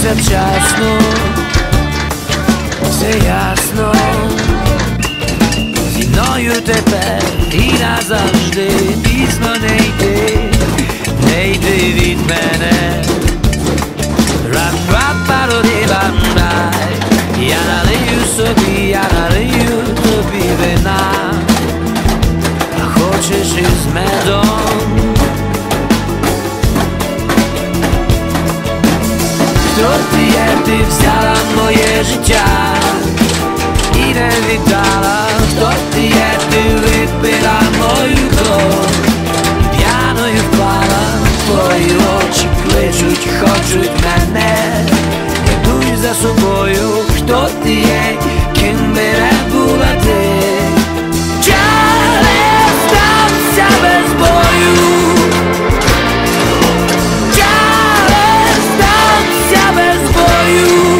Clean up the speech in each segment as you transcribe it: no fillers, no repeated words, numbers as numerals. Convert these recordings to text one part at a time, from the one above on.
все вчасно, все ясно. Зі мною тепер і назавжди пізно не йди, не йди від мене. Рап-рап-пароди-бам-бай, я налию собі, я налию тобі вина, а хочеш із медом. Хто ти є, ти взяла моє життя і не віддала. Хто ти є, ти випила мою кров і п'яною впала. Твої очі кличуть, хочуть мене, ведуть за собою. Хто ти є, ким би не була ти? Чарлі, стався без бою. Чарлі, стався без бою.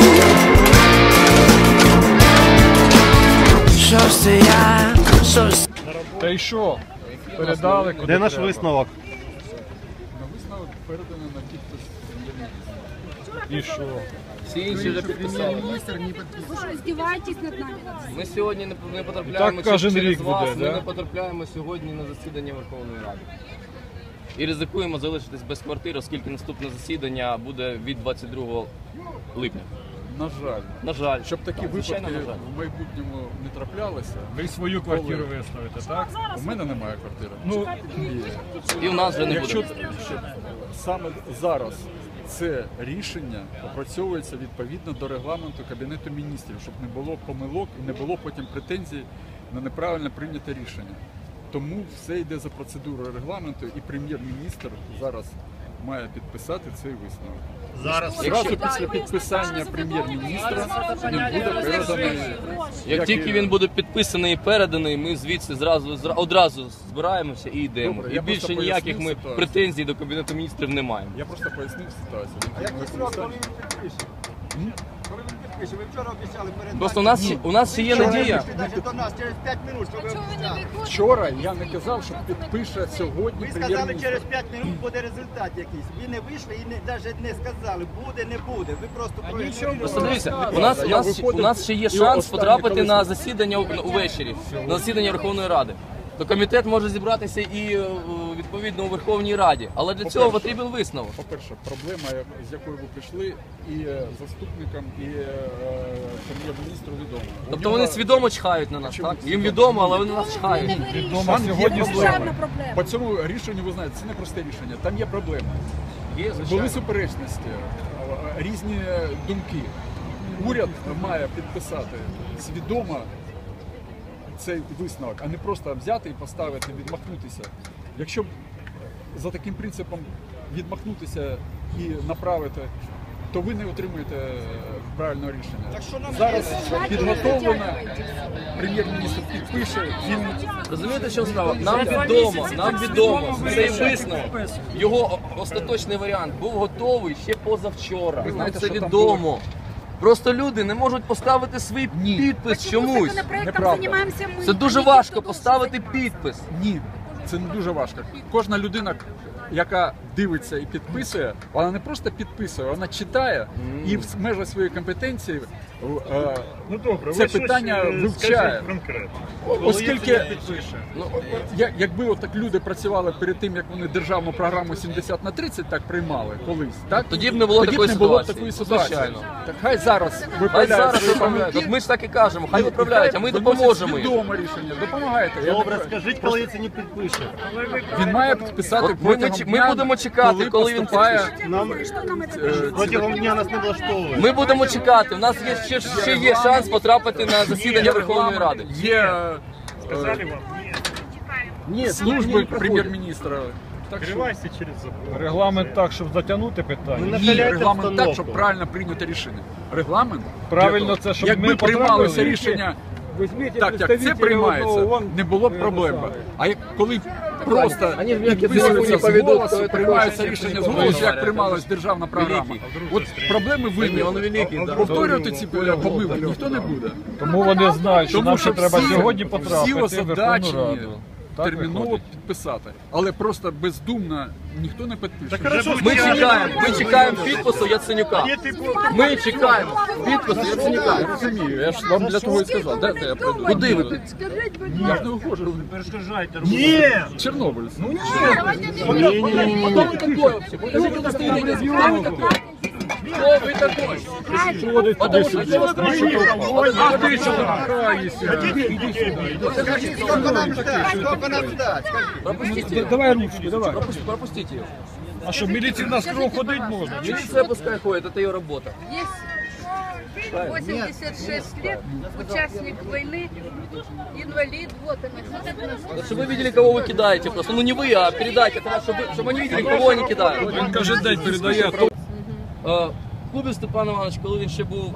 Що ж це я, що ж це? Та й що? Передали, куди Де наш треба. висновок? Висновок передано на підпис прем'єр-міністра. І що? Всі інші вже підписали. Ви що, здіваєтесь над нами? Ми сьогодні не потрапляємо Так кожен через рік вас, буде, ми да? не потрапляємо сьогодні на засідання Верховної Ради. І ризикуємо залишитись без квартири, оскільки наступне засідання буде від 22 липня. На жаль. На жаль. Щоб такі Так, випадки звичайно, на жаль. в майбутньому не траплялися. Ви свою квартиру виставите, так? У мене немає квартири. Ну, І у нас вже не Якщо буде. саме зараз це рішення опрацьовується відповідно до регламенту Кабінету міністрів, щоб не було помилок і не було потім претензій на неправильно прийняте рішення. Тому все йде за процедурою регламенту, і прем'єр-міністр зараз має підписати цей висновок. Зразу після підписання прем'єр-міністра він буде переданий. Як тільки він буде підписаний і переданий, ми звідси одразу збираємося і йдемо. Добре, І я більше просто ніяких пояснив ми ситуацію. претензій до Кабінету міністрів не маємо. Я просто пояснив ситуацію. Просто у нас ще є надія. До нас через 5 минут, що ви обіцяли. Вчора я не казав, що підпише сьогодні Ви сказали, прем'єр-міністр. через 5 минут буде результат якийсь. Ви не вийшли і навіть не сказали, буде, не буде. Ви просто проігнорували. Просто дивіться, у Я нас ще є виходив, шанс і потрапити останнє, на коли- засідання увечері, на засідання Верховної Ради. То комітет може зібратися і відповідно у Верховній Раді, але для цього По-перше, потрібен висновок. По-перше, проблема, з якою ви прийшли, і заступникам, і прем'єр-міністру відомо. Тобто вони свідомо чхають на нас, так? Їм відомо, але вони нас чхають. відомо Там є сьогодні проблема. проблема. По цьому рішенню, ви знаєте, це не просте рішення, там є проблема. Є, Були звичайно. суперечності, різні думки. Уряд має підписати свідомо цей висновок, а не просто взяти і поставити, відмахнутися. Якщо б за таким принципом відмахнутися і направити, то ви не отримуєте правильного рішення. Зараз підготовлено, прем'єр-міністр підпише, він... Розумієте, що справа? Нам відомо, цей висновок, його остаточний варіант був готовий ще позавчора. Ви знаєте, Це що там відомо. Просто люди не можуть поставити свій підпис чомусь. Неправда. Це дуже важко поставити підпис. Ні, це не дуже важко. Кожна людина, яка дивиться і підписує, вона не просто підписує, вона читає і в межах своєї компетенції Ну добре, це питання вивчає. конкретно. Оскільки, якби отак люди працювали перед тим, як вони державну програму 70/30 так приймали колись, так? Тоді б не було такої ситуації. такої ситуації. Звичайно. Так хай зараз Хай виправляють зараз свої виправляють. помилки. От ми ж так і кажемо, хай виправляють, а ми Виносять допоможемо їм. свідоме рішення, допомагайте. Я Добре, не- скажіть, коли це не підпише. Він має підписати От ми протягом дня, будемо чекати, коли він поступає. Нам протягом дня нас не влаштовує. Ми будемо чекати. У нас є ще є шанс потрапити на засідання Верховної Ради. Є Сказали вам, ні, служби прем'єр-міністра. Так що скривайся через забор. Регламент так, щоб затягнути питання. ні, регламент так, щоб правильно прийняти рішення. Регламент Правильно для того, це, щоб якби ми приймалося потрапили. рішення Візьміть так, як це приймається, не було б проблем. А як коли просто підписується з голосу, приймається рішення з голосу, як приймалась державна програма. От проблеми виникли. Повторювати ці помилки ніхто не буде. Тому вони знають, що Тому нам що ще треба всі- сьогодні всі потрапити в Верховну озадачені Раду. Так терміново виходить. підписати. Але просто бездумно ніхто не підпише. Ми чекаємо підпису Яценюка. Ми чекаємо підпису Яценюка. Я розумію, я ж вам для того і сказав. Дайте я прийду. Куди ви підете? Я ж не ухожу. Перешкоджайте. Чорнобиль. Кто вы такой вообще? Покажите удостоверение. Кто вы такой? Кто вы такой? Потому что что вы говорите? А ти що граєшся? Сколько нам ждать? Сколько нам ждать? Скажи. Пропустите. Давай ручку, давай. Пропустите ее. А що, міліції на скром ходить можна? Милиция пускай ходит, это ее работа. Есть 86 лет, участник войны, инвалид, вот она. Чтобы вы видели, кого вы кидаете просто. Ну не вы, а передайте, чтобы они видели, кого они кидают. Він кожен день передає. Кубів Степан Іванович, коли він ще був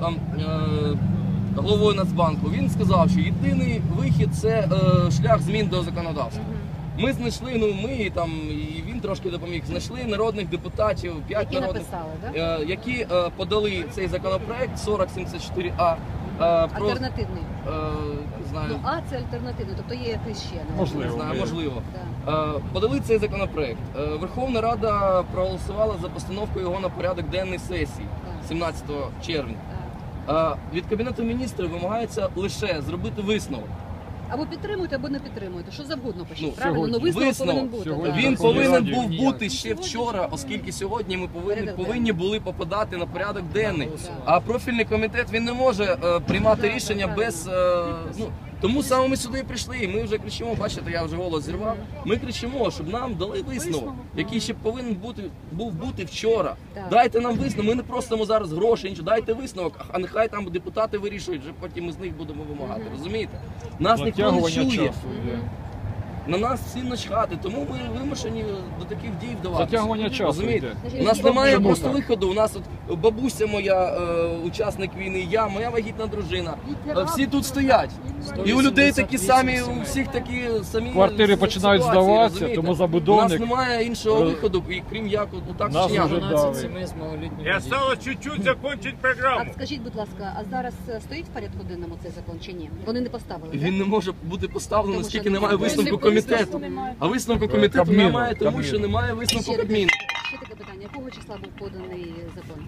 головою Нацбанку, він сказав, що єдиний вихід – це шлях змін до законодавства. Ми знайшли, ми там, і він трошки допоміг, знайшли народних депутатів, 5 Які народних, написали, які подали цей законопроект 4074А. Альтернативний. Не знаю, Ну, А це альтернативний, тобто є якийсь ще. не? Можливо. не знаю, можливо. Да. Подали цей законопроект. Верховна Рада проголосувала за постановку його на порядок денний сесії 17 червня. Так. Від Кабінету міністрів вимагається лише зробити висновок. Або підтримуєте, або не підтримуєте. Що завгодно пишіть, Ну, правильно? сьогодні. Ну висновок Висновок. повинен бути. Сьогодні. да. Він Верховній повинен Раді був ніяк. бути ще вчора, оскільки сьогодні ми Порядок повинні були попадати на порядок денний. А профільний комітет він не може приймати рішення без. Тому саме ми сюди і прийшли. І ми вже кричимо, бачите, я вже голос зірвав. Ми кричимо, щоб нам дали висновок, який ще повинен був бути вчора. Так. Дайте нам висновок. Ми не просимо зараз грошей, нічого. Дайте висновок, а нехай там депутати вирішують, вже потім ми з них будемо вимагати. Розумієте? Нас ніхто не Затягування чує. часу йде. На нас всім начхати, тому ми вимушені до таких дій вдаватися. Затягування часу Розумієте? йде. У нас немає Чому просто так? виходу. У нас от бабуся моя, учасник війни, я, моя вагітна дружина. Всі тут стоять. І у людей такі самі, у всіх такі самі Квартири починають ситуації, здаватися, розумієте? тому забудовник- У нас немає іншого виходу, і крім як отак Нас вчиняти. вже давить. И осталось чуть-чуть закончить А программу. скажіть, будь ласка, а зараз стоїть в порядку денному цей закон чи ні? Вони не поставили, так? Він не може бути поставлений, Тому оскільки що немає немає висновку висновку комітету. А висновку комітету Кабміну, немає, тому Кабміну. що немає висновку Ще Кабміну. Ще таке питання. Якого числа був поданий закон?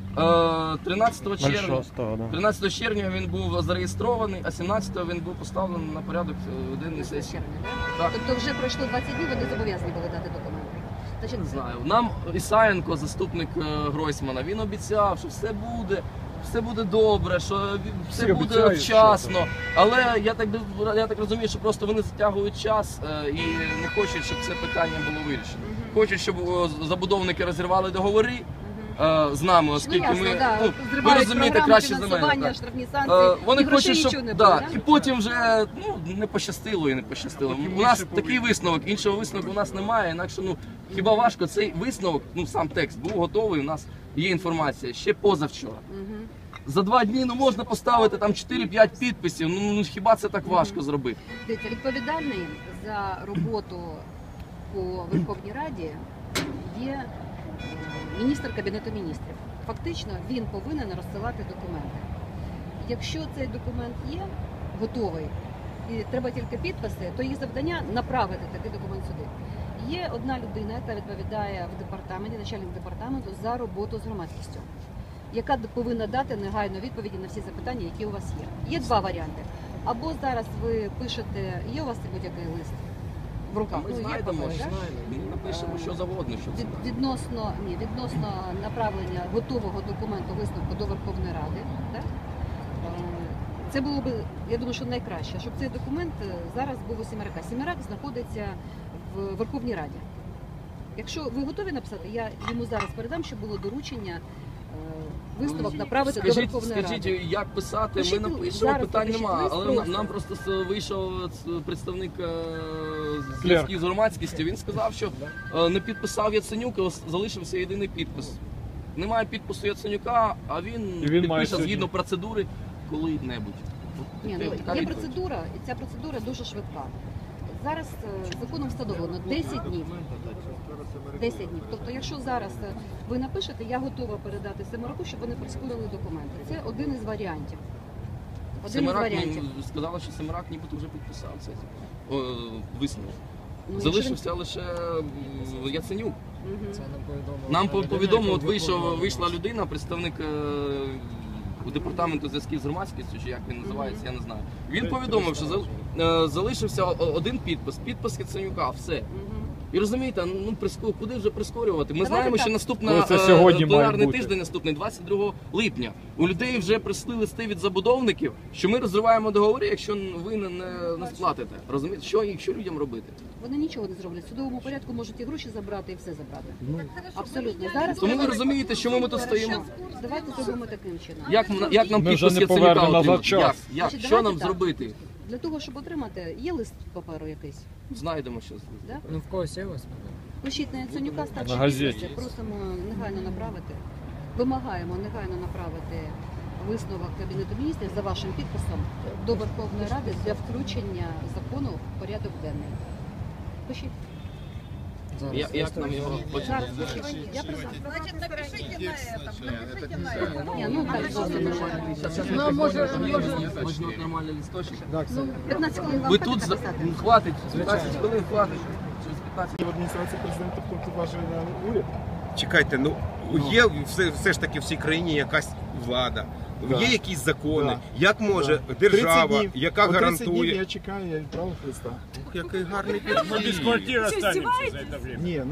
13 червня. 13 червня він був зареєстрований, а 17-го він був поставлений на порядок денний сесії. Червня, Так. так? Тобто вже пройшло 20 днів, вони зобов'язані були дати документи. Значить, Не знаю. Нам Ісаєнко, заступник Гройсмана, він обіцяв, що все буде добре, що все Всі буде обіцяють, вчасно. Але я так розумію, що просто вони затягують час і не хочуть, щоб це питання було вирішено. Хочуть, щоб забудовники розірвали договори з нами, оскільки ясно, ми да. ви Зривають розумієте програму краще за мене. фінансування, так. штрафні санкції, Вони і грошей хочуть, нічого щоб не було, і да? потім вже не пощастило і не пощастило. У нас такий висновок, іншого висновку у нас немає. Інакше хіба важко цей висновок, сам текст був готовий. У нас є інформація ще позавчора. За 2 дні можна поставити там 4-5 підписів. Хіба це так важко зробити? Дивіться, відповідальний за роботу по Верховній Раді є міністр Кабінету міністрів. Фактично він повинен розсилати документи. Якщо цей документ є готовий і треба тільки підписи, то їх завдання направити такий документ сюди. Є одна людина, яка відповідає в департаменті, начальник департаменту за роботу з громадськістю, яка повинна дати негайно відповіді на всі запитання, які у вас є. Є 2 варіанти. Або зараз ви пишете, є у вас будь-який лист в руках? Ми Є знайдемо, папір, так? ми напишемо що завгодно, що це. Відносно направлення готового документу висновку до Верховної Ради, так? Це було б, я думаю, що найкраще, щоб цей документ зараз був у Сімерака. Сімерак знаходиться в Верховній Раді. Якщо ви готові написати, я йому зараз передам, щоб було доручення висновок направити до Верховної Скажіть, Ради. як писати, Пишіть, ми напишемо, зараз питань напишіть немає. лист Але просто. нам просто вийшов представник зв'язків з громадськістю, він сказав, що не підписав Яценюк, залишився єдиний підпис. Немає підпису Яценюка, а він І він має підпише сьогодні. згідно процедури коли-небудь. Ні, Така є відповідь. процедура, і ця процедура дуже швидка. Зараз законом встановлено 10 днів. 10 днів. Тобто, якщо зараз ви напишете, я готова передати Семераку, щоб вони прискорили документи. Це один із варіантів. Один із Семерак, варіантів. сказали, що Семерак нібито вже підписав цей висновок. Ну, Залишився лише Яценюк. Мгм. Нам повідомив, от вийшла людина, представник департаменту зв'язків з громадськістю, чи як він називається, я не знаю. Він повідомив, що залишився один підпис Яценюка, все. Мгм. І розумієте, куди вже прискорювати? Ми Давайте знаємо, так. що Ну, наступна це сьогодні має пленарний бути. тиждень наступний, 22 липня. У людей вже прийшли листи від забудовників, що ми розриваємо договори, якщо ви не сплатите. Розумієте, що людям робити? Вони нічого не зроблять. В судовому порядку можуть і гроші забрати, і все забрати. Абсолютно. Зараз Тому ви треба- розумієте, чому ми тут стоїмо? Давайте зробимо таким чином. Як нам Ми вже підпис не Яценюка повернемо назад отримати? час. Як? Значить, Що нам давайте так. зробити? Для того, щоб отримати, є лист паперу якийсь. Знайдемо щось. Да? Ну в когось є ось. Пишіть на Яценюка, старший На газеті. підписи. Просимо негайно направити. Вимагаємо негайно направити висновок Кабінету міністрів за вашим підписом до Верховної Ради для включення закону в порядок денний. Пишіть. Як нам його Зараз пишіть. Я призна. Значит, напишите на этом, напишите на этом. Ні, ну так зовсім нормально. Можна нормальний листочок. Ну, 15 хвилин вам Ви хватить тут написати? хватить, 15 хвилин хватить. Через 15 В адміністрації президента повноважує на уряд. Чекайте, є все ж таки в цій країні якась влада, Да. є якісь закони. Да. Як може 30 держава, днів. яка От 30 днів гарантує... я чекаю, я відправив листа. Який гарний Без підхід. квартири останемося за це время. Ні,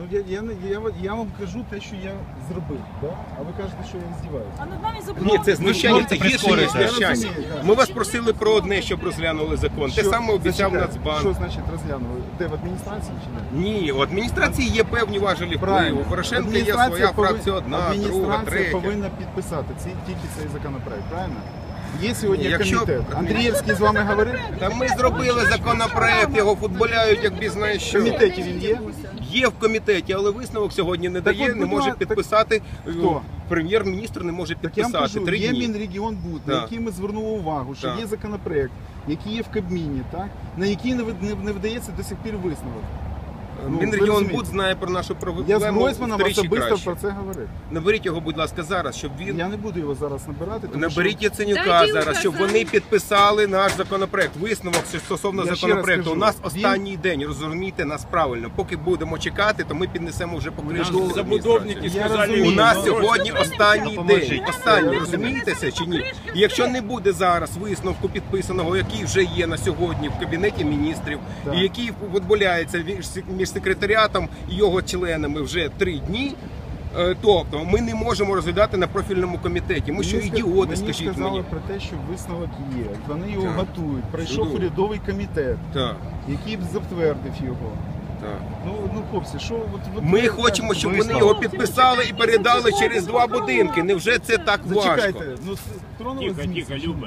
я вам кажу те, що я зробив, да? А ви кажете, що я здіваюся. А над нами Ні, це знущання, це гірше, ніж прискорюєте. знущання. Я розумію, так. Ми вас просили про одне, щоб розглянули закон. Те саме обіцяв Зачекайте, Нацбанк. Що значить розглянули? Де, в адміністрації чи не? Ні, у адміністрації є певні важелі впливу. У Порошенка є своя фракція одна, друга, адміністрація третя. повинна підписати тільки цей законопроект, правильно? Є сьогодні Якщо- комітет. Андрієвський з вами говорив? Та ми зробили законопроект, його футболяють, як бізнес В що. комітеті він є? Є в комітеті, але висновок сьогодні не Так дає, от, не будь може ласка, підписати. Хто? Прем'єр-міністр не може Так я вам підписати кажу, 3 є дні. Мінрегіонбуд, на Так. який ми звернули увагу, що Так. є законопроект, який є в Кабміні, так? На який не видається до сих пір висновок. Ну, ви Мінрегіонбуд розумієте. знає про нашу Я з проблему Гройсманом втричі особисто краще. про це говорив. Наберіть його, будь ласка, зараз, щоб він... Я не буду його зараз набирати, тому Наберіть що Яценюка Дайте зараз, щоб вони підписали наш законопроект. Висновок стосовно Я ще законопроекту. раз У кажу, нас він- останній день, розумійте нас правильно. Поки будемо чекати, то ми піднесемо вже покришку. Нам забудовники Я сказали, розумію. У нас Ну, сьогодні останній Допоможіть. день. Останній, Я розумієте це чи ні? І якщо не буде зараз висновку підписаного, який вже є на сьогодні в Кабінеті міністрів, Так. і який відбувається між секретаріатом і його членами вже 3 дні, тобто ми не можемо розглядати на профільному комітеті. Ми що, ідіоти, мені скажіть сказали мені? про те, що висновок є. Вони його Так. готують. Прийшов Чудово. урядовий комітет, Так, який б затвердив його. так. Ну хлопці, що от Ми хочемо, щоб вони його підписали і передали через 2 будинки. Невже це так важко? Зачекайте, ну тронули з місця. Люба.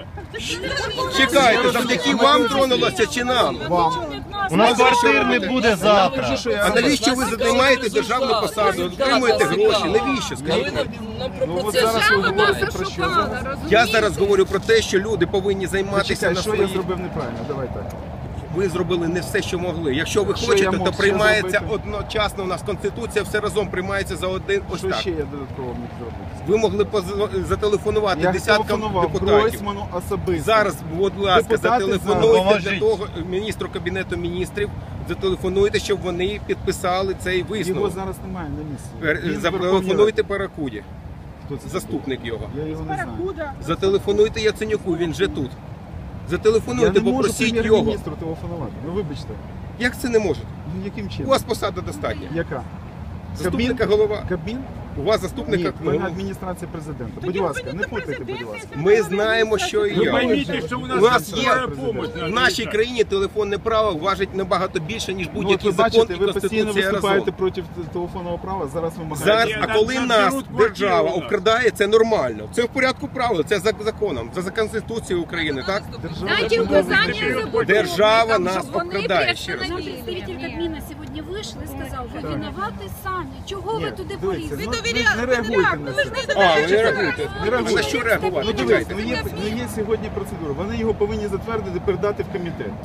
Чекайте, завдяки вам тронулося чи нам? Вам. У нас квартир не буде завтра. А навіщо ви займаєте державну посаду, отримуєте гроші? Навіщо? А ви Скажіть? нам про Ну от процес. зараз ви говорите про що? Я зараз говорю про те, що люди повинні займатися Почекай, на що я свої... зробив неправильно? Давай так. Ви зробили не все, що могли. Якщо ви Що хочете, я то мог ще приймається зробити? одночасно. У нас Конституція все разом приймається за один. Ось Що так. ще я додатково міг зробити? Ви могли зателефонувати Я десяткам телефонував депутатів. Гройсману особисто. Зараз, будь ласка, Депутати зателефонуйте зараз. для того міністру Кабінету міністрів. Зателефонуйте, щоб вони підписали цей Його висновок. зараз немає на місці. Він в Верховній Зателефонуйте Паракуді, Раді. Хто це? заступник його. Я його не знаю. Зателефонуйте Яценюку, він же тут. Я Зателефонуйте, не можу попросіть його. прем'єр-міністру телефонувати. Ну вибачте. Як це не можете? Ну яким У чином? вас посада достатня. Яка? Заступника голова. Кабмін? У вас Ні, заступника в мене голова. адміністрація президента. Будь ласка, не путайте, будь ласка. Ми знаємо, що і Ви я. поймите, що у У нас є скорая помощь. в нашій країні телефонне право важить набагато більше, ніж Ну, от будь-який ви закон бачите, і ви постійно Конституція виступаєте разом. проти телефонного права, зараз вимагаєте. Зараз, а коли нас держава обкрадає, це нормально. Це в порядку правил, це за законом, це за Конституцією України, так? Дайте указания забудовникам, Держава нас щоб вони обкрадає, ще раз. приостановили. Представитель Кабміна сьогодні вийшов і сказав, ви винуваті самі. Чого ви туди Дивіться, полізли? ну, не реагуйте на це. А, ви не реагуєте. Не реагуйте. На що реагувати? Ну дивіться, Чекайте. є сьогодні процедура. Вони його повинні затвердити, передати в комітет.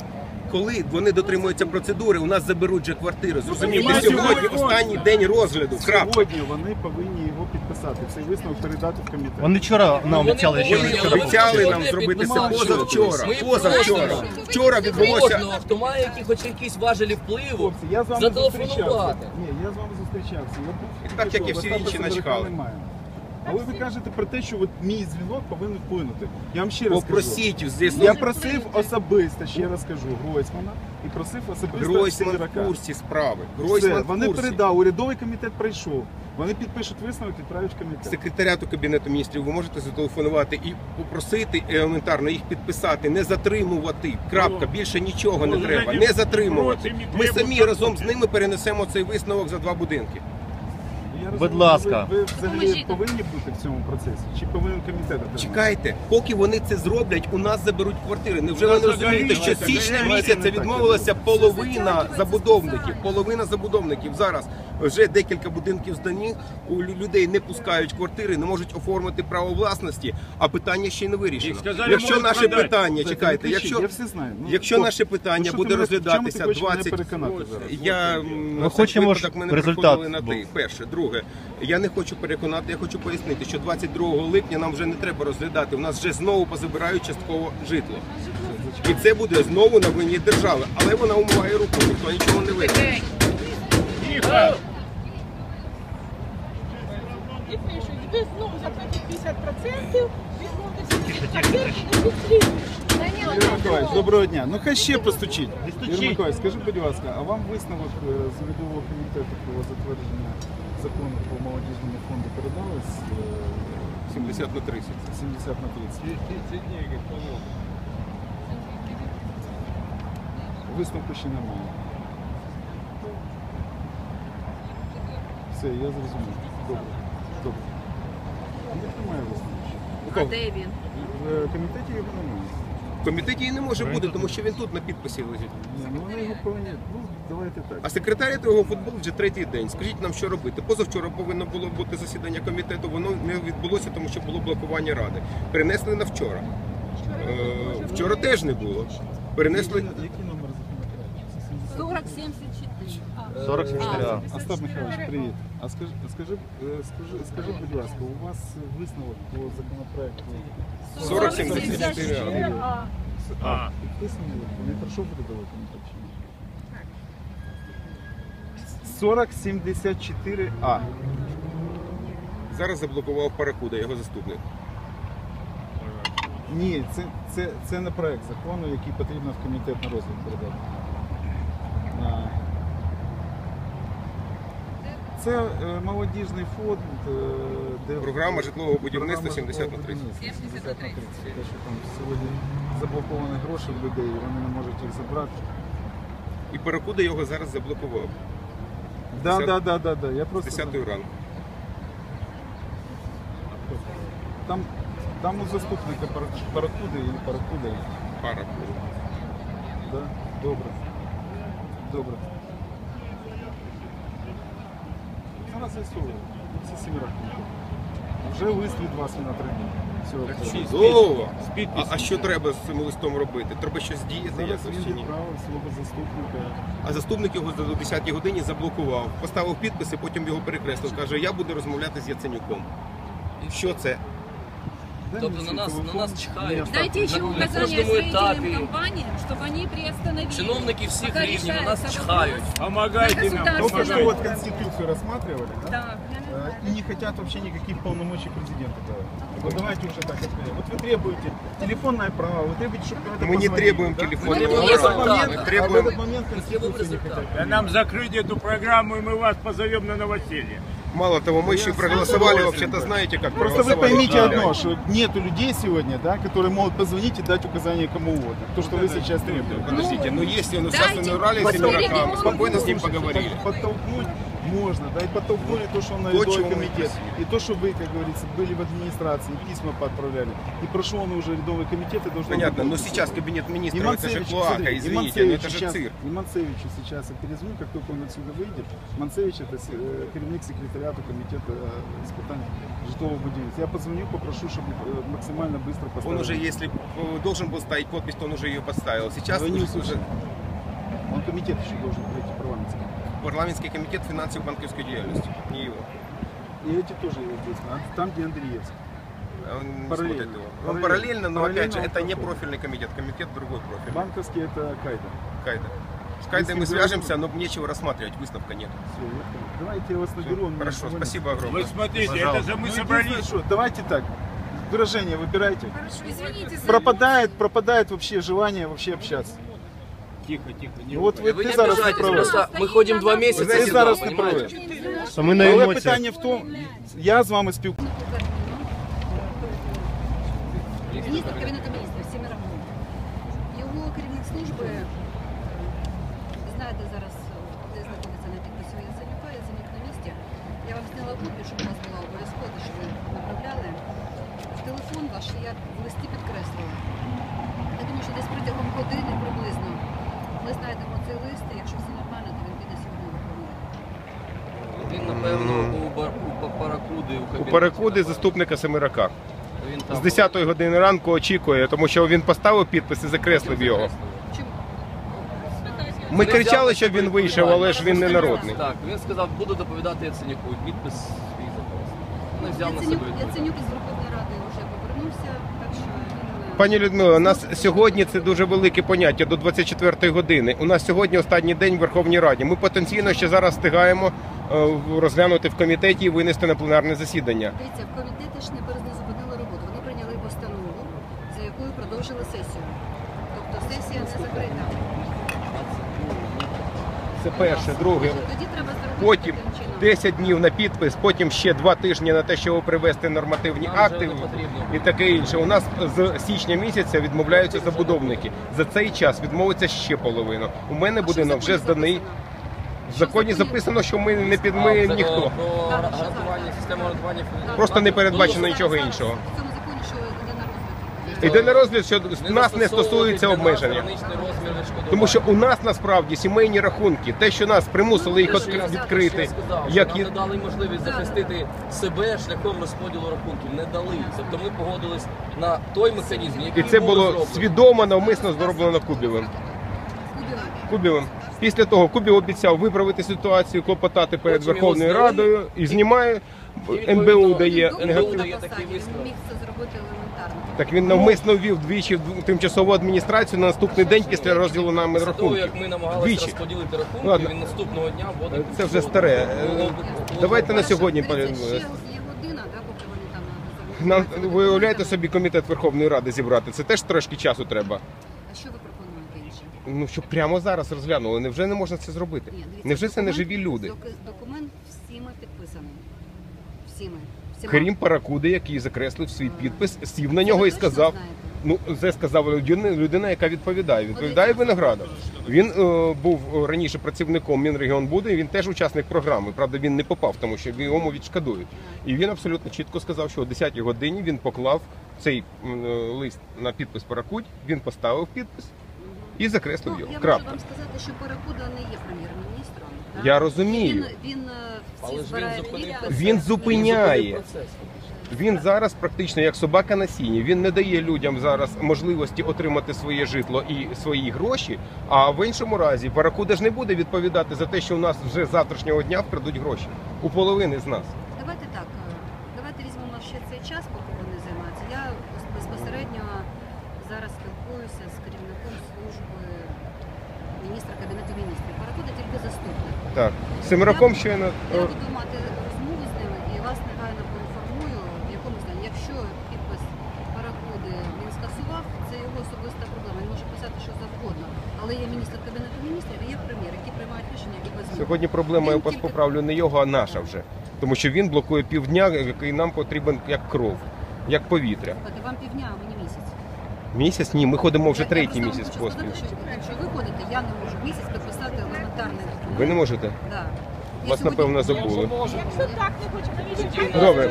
коли вони дотримуються процедури, у нас заберуть же квартири. Зрозумієте, сьогодні останній день розгляду. Крапка. Сьогодні вони повинні його підписати. Цей висновок передати в комітет. Вони вчора нам обіцяли, що Вони обіцяли нам зробити це позавчора. Позавчора. Вчора відбулося. Хто має хоч якісь важелі впливу, Хлопці, я з вами зателефонувати. зустрічався. Ні, я з вами зустрічався. Так, як і всі інші начхали. Але ви кажете про те, що от мій дзвінок повинен вплинути. Я вам ще раз кажу. Попросіть здесь. Я просив особисто, ще раз кажу, Гройсмана і просив особисто Гройсман Сидорака. в курсі справи. Все, Гройсман в вони курсі. передали, урядовий комітет прийшов. Вони підпишуть висновок, відправлять в комітет. Секретаріату Кабінету міністрів ви можете зателефонувати і попросити елементарно їх підписати, не затримувати. Крапка, більше нічого не треба, не затримувати. Ми самі разом з ними перенесемо цей висновок за 2 будинки. Я розумію, Будь ласка. Ви взагалі повинні бути в цьому процесі? Чи повинен комітет отримати? Чекайте, поки вони це зроблять, у нас заберуть квартири. Невже ви не розумієте, що з січня місяця відмовилася половина забудовників? Половина забудовників. Зараз вже декілька будинків здані, у людей не пускають квартири, не можуть оформити право власності, а питання ще й не вирішено. Якщо наше питання, чекайте, якщо наше питання буде розглядатися 20... Ми хочемо ж результат. Перше. Друге, я не хочу переконати, я хочу пояснити, що 22 липня нам вже не треба розглядати. У нас вже знову позабирають частково житло. І це буде знову на вині держави. Але вона умиває руку, ніхто нічого не вирішить. І пишуть, ви знову заплатите 50%, відмовитися від квартир і не підслідуєш. Юрій Миколаївич, доброго дня. Ну хай ще постучіть. Юрій Миколаївич, скажіть, будь ласка, а вам висновок з урядового комітету про затвердження закону по молодіжному фонду передалось 70 на 30. 70 на 30. Висновку ще немає. Все, я зрозумів. Добре. Добре. Немає висновку. А де він? В комітеті його немає. В комітеті і не може бути, тому що він тут на підписі лежить. Ні, ну вони його повинні, ну давайте так. А секретаріат його футболу вже 3-й день. Скажіть нам, що робити. Позавчора повинно було бути засідання комітету, воно не відбулося, тому що було блокування ради. Перенесли на вчора. Вчора теж не було. Перенесли... Який номер законопроекту? 4074. 44А. Остап Михайлович, привіт. А скажи, будь ласка, у вас висновок по законопроекту 4074. Підписаний, не пройшов урядовий комітет чи ні? 4074А. Зараз заблокував Паракуда, його заступник. Ні, це не проект закону, який потрібно в комітет на розгляд передати. Це молодіжний фонд, де... Програма житлового будівництва 70 на 30. 70 на 30. Те, що там сьогодні заблоковані гроші в людей, вони не можуть їх забрати. І Паракуда його зараз заблокував. Да. Я просто... З 10-ї ранку. Там у заступника Паракуди і Паракуда. Паракуда. Да? Добре. Зараз з'ясовуємо. Всі 7 років. Вже лист від вас він отримав. Чудово! А що треба з цим листом робити? Треба щось діяти? Зараз він відправив свого заступника. А заступник його до 10-й годині заблокував. Поставив підписи, потім його перекреслив. Каже, я буду розмовляти з Яценюком. Що це? Тобто на нас чхають. Дайте еще На указания кожному етапі. строительным компаниям, чтобы они приостановили. Чиновники всіх Пока рівнів на решается нас чхають. вопрос Помогайте нам. на Только что государственном. вот Конституцию рассматривали, да? Да. И не хотят вообще никаких полномочий президента давать. Вот давайте уже так откроем. Вот вы требуете телефонное право, вы требуете, чтобы кто-то Мы не позвонил, требуем да? телефонное Вот право. в этот момент, Мы а в требуем- этот момент Конституцию не хотят. Да нам закрыть эту программу, и мы вас позовем на новоселье. Мало того, мы еще и проголосовали, вообще-то знаете, как Просто вы проголосовали. поймите Да. одно, что нету людей сегодня, да, которые могут позвонить и дать указания кому угодно. То, что вы сейчас требуете. Подождите, но если он Дайте участвовал в ралли с Семераком, спокойно с ним поговорили. Подтолкнуть можно, да, и подтолкнули то, что он на То, рядовой чего мы комитет. И то, что вы, как говорится, были в администрации, письма поотправляли. И прошел он уже рядовый комитет и должен... Понятно, быть но подписан. сейчас кабинет И министров, это же Манцевич, клоака, смотри, и извините, но Манцевич это же сейчас, цирк. и Манцевичу сейчас я перезвоню, как только он отсюда выйдет. Манцевич это керівник секретариата комитета испытаний житлового будівництва. Я позвоню, попрошу, чтобы максимально быстро поставили. Он уже, если должен был ставить подпись, то он уже ее поставил. Сейчас Вы не уже... услышали. комитет еще должен пройти парламентский. Парламентский комитет финансовой банковской деятельности, не его. И эти тоже здесь, там, где Андреевский. Он не Параллельно. смотрит его. Он параллельно, но опять же, он это не проходит. профильный комитет, комитет другой профиль. Банковский это Кайда. Кайда. С Кайдой мы Если свяжемся, но нечего рассматривать, выставка нет. Все, я понял. Давайте я вас наберу. он Хорошо, мне спасибо огромное. Вы смотрите, Пожалуйста. это же мы Ну, собрались. единственное, что, давайте так, выражение выбирайте. Извините за Пропадает вообще желание вообще общаться. Тихо, тихо. Ну, вот Вы ты не зараз не обижайтесь, правий. просто ми ходимо 2 місяці Ти сюди, зараз не понімаєте? правий. Що ми на Але емоціях. питання в тому, я з вами спілкуюся. Міністр Кабінету міністрів Семераков. Його керівник служби, знаєте зараз, де знаходиться на підписі Яценюка, Яценюк на місці. Я вам зняла копію, щоб у вас була обов'язково, щоб ви направляли. В телефон ваш я в листі підкреслила. Я думаю, що десь протягом години приблизно ми знайдемо цей лист, і якщо все нормально, то він піде сьогодні в Верховну Раду. Він, напевно, у Паракуди, у У кабінеті. Паракуди заступника Семерака. Він там З 10-ї години ранку очікує, тому що він поставив підпис і закреслив його. Чому? Ми кричали, щоб він вийшов, але ж він не народний. Так, він сказав, буду доповідати Яценюку, підпис свій запрос. Вони взяв на себе відповідальність. Яценюк із Верховної Ради вже повернувся, так що він... Пані Людмила, у нас сьогодні це дуже велике поняття до 24-ї години. У нас сьогодні останній день в Верховній Раді. Ми потенційно ще зараз встигаємо розглянути в комітеті і винести на пленарне засідання. Дивіться, в комітеті ж не зупинили роботу. Вони прийняли постанову, за якою продовжили сесію. Тобто сесія не закрита. Це перше, друге. Тоді треба зробити Потім таким чином. 10 днів на підпис, потім ще 2 тижні на те, щоб привести нормативні Нам вже акти не потрібно. і таке інше. У нас з січня місяця відмовляються забудовники. За цей час відмовиться ще половина. У мене А що в будинок законі вже зданий. записано? В законі записано, що ми не під ми ніхто. Про гарантування, систему гарантування. Просто не передбачено Було нічого Зараз іншого. В цьому законі, що йде на розгляд. Йде на розгляд, що нас не стосується для нас обмеження. граничний розмір відшкодування. Тому що у нас насправді сімейні рахунки, те, що нас примусили їх відкрити, як Нам не дали можливість захистити себе шляхом розподілу рахунків. Не дали. Тобто ми погодились на той механізм, і який це було зроблено. свідомо, навмисно зроблено Кубівим. Кубівим. Після того Кубів обіцяв виправити ситуацію, клопотати перед Потім його Верховною зняли. Радою і знімає. І НБУ відповідно, дає НБУ негатив. дає На такий посаді, висновок. Він міг це зробити елементарно. Так він навмисно ввів двічі в тимчасову адміністрацію на наступний день після розділу нами Після того, рахунків. як ми намагалися Двічі. розподілити рахунки, Ладно. він наступного дня вводив. Це вже старе. Давайте на сьогодні. Дивіться, ще є година, да, поки вони там... Нам ви уявляєте собі комітет Верховної Ради зібрати. Це теж трошки часу треба. А що ви пропонуєте інше? Ну щоб прямо зараз розглянули. Невже не можна це зробити? Ні, дивіться, Невже це не документ- живі люди? Документ всіми підписаний. Всіми. Крім Паракуди, який закреслив свій підпис, сів на Це нього ви і точно сказав. знаєте? Ну, це сказав людина, яка відповідає. Відповідає Виноградов. Він був раніше працівником Мінрегіонбуду, і він теж учасник програми. Правда, він не попав, тому що йому відшкодують. І він абсолютно чітко сказав, що о 10-й годині він поклав цей лист на підпис Паракудь, він поставив підпис і закреслив Ну, його. я можу Крапка. вам сказати, що Паракуда не є прем'єр-міністром. так? Я розумію. Він Але всі ж збирає він зупинив підписи. процес. Він зупиняє. Процес. Він зараз практично як собака на сіні. Він не дає людям зараз можливості отримати своє житло і свої гроші. А в іншому разі Паракуда ж не буде відповідати за те, що у нас вже з завтрашнього дня вкрадуть гроші у половини з нас. Давайте так, давайте візьмемо ще цей час, поки вони займаються. Я безпосередньо зараз спілкуюся з керівником служби міністра Кабінету міністрів. Паракуда тільки заступник. Так, з Семераком щойно. Я буду мати розмову з ними і вас негайно поінформую, в якому стані. Якщо підпис Паракуди він скасував, це його особиста проблема. Він може писати що завгодно. Але є міністр Кабінету міністрів і є прем'єр, які приймають рішення і без нього. Сьогодні проблема, я Він вас тільки- поправлю, не його, а наша вже. Тому що він блокує півдня, який нам потрібен як кров, як повітря. Слухайте, вам півдня, а мені місяць. Місяць? Ні, ми ходимо вже Я третій просто вам місяць хочу поспіль. сказати, що якщо ви ходите, я не можу місяць підписати елементарний документ. Ви не можете? Да. Я Вас, сьогодні- напевно, забули. Якщо так не хоче, навіщо? Добре.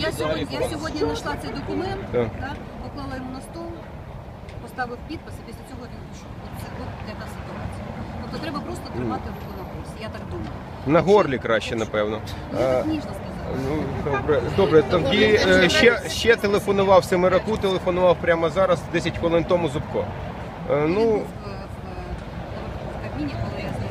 Я сьогодні знайшла цей документ, Так. так, поклала йому на стол, поставив підпис, і після цього він пішов. Це от яка ситуація. Тобто треба просто тримати руку на пульсі, я так думаю. На горлі краще, напевно. Я так ніжно сказала. Ну, добре, тоді ще телефонував Семераку, телефонував прямо зараз, 10 хвилин тому Зубко. Він Ну, був в Кабміні, коли я з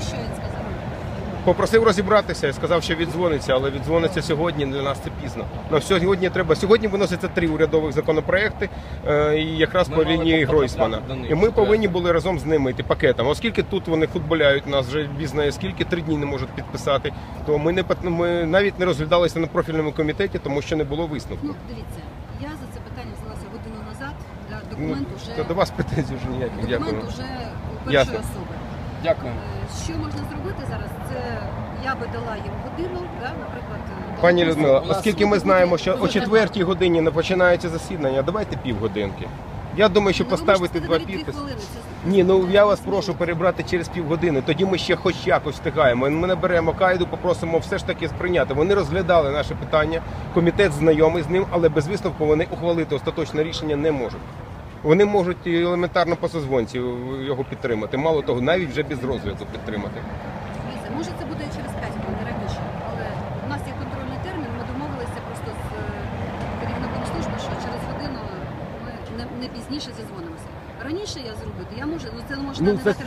що він сказав? Попросив розібратися і сказав, що віддзвониться, але віддзвониться сьогодні, для нас це пізно. Но сьогодні треба. Сьогодні виносяться 3 урядових законопроекти, і якраз по лінії Гройсмана. І ми повинні були разом з ними йти пакетом. Оскільки тут вони футболяють, нас вже бізнає, скільки 3 дні не можуть підписати, то ми навіть не розглядалися на профільному комітеті, тому що не було висновку. Ну, дивіться, я за це питання взялася годину назад, документ уже... То до вас претензій вже ніяких. Дякую. Документ уже у першої особи. Дякую. Що можна зробити зараз? Це я би дала їм годину, наприклад. Пані Людмила, оскільки ми знаємо, що о 4-й годині не починається засідання, давайте півгодинки. Я думаю, що поставити 2 підписи. Ні, ну я вас прошу перебрати через півгодини. Тоді ми ще хоч якось встигаємо. Ми наберемо Кайду, попросимо все ж таки сприйняти. Вони розглядали наше питання, комітет знайомий з ним, але без висновку вони ухвалити остаточне рішення не можуть. Вони можуть елементарно по созвонці його підтримати. Мало того, навіть вже без розгляду підтримати. Може це буде через 5 хвилин раніше, але у нас є контрольний термін, ми домовилися просто з керівником служби, що через годину ми не пізніше зізвонимося. Раніше я зробити, я можу, але це може не дати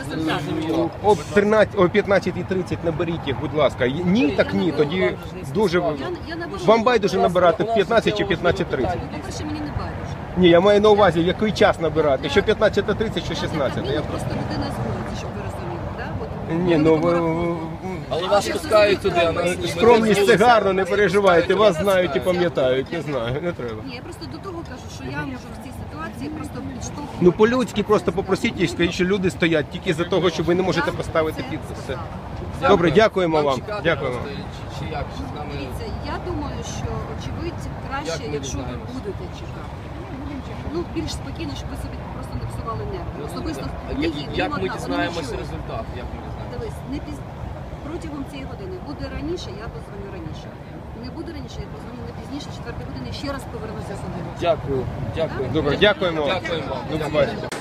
результату. О 15:30 наберіть їх, будь ласка. Ні, так ні, тоді дуже... Вам байдуже набирати в 15 чи 15:30? По-перше, мені не байдуже. Ні, я маю на увазі, який час набирати, що 15:30, що 16. Я просто людина з вулиці, щоб ви розуміли, так? Ні, ну Але вас пускають туди, а нас ні. скромність це гарно, не переживайте, вас знають і пам'ятають, не знаю, не треба. Ні, я просто до того кажу, що я можу в цій ситуації просто підштовхувати. Ну по-людськи просто попросіть і скажіть, що люди стоять тільки за того, що ви не можете поставити підпис. Все. Добре, дякуємо вам. Дякуємо. Чи як з нами? Дивіться, я думаю, що очевидь краще, якщо ви будете чекати. Ну, більш спокійно, щоб ви собі просто не псували нерви. Особисто Як ми дізнаємося результат? Як ми дізнаємося? Дивись, протягом цієї години буде раніше, я позвоню раніше. Не буде раніше, я позвоню не пізніше, 4-ї години, ще раз повернуся сюди. Дякую. Добре, дякуємо. Дякуємо вам. До побачення.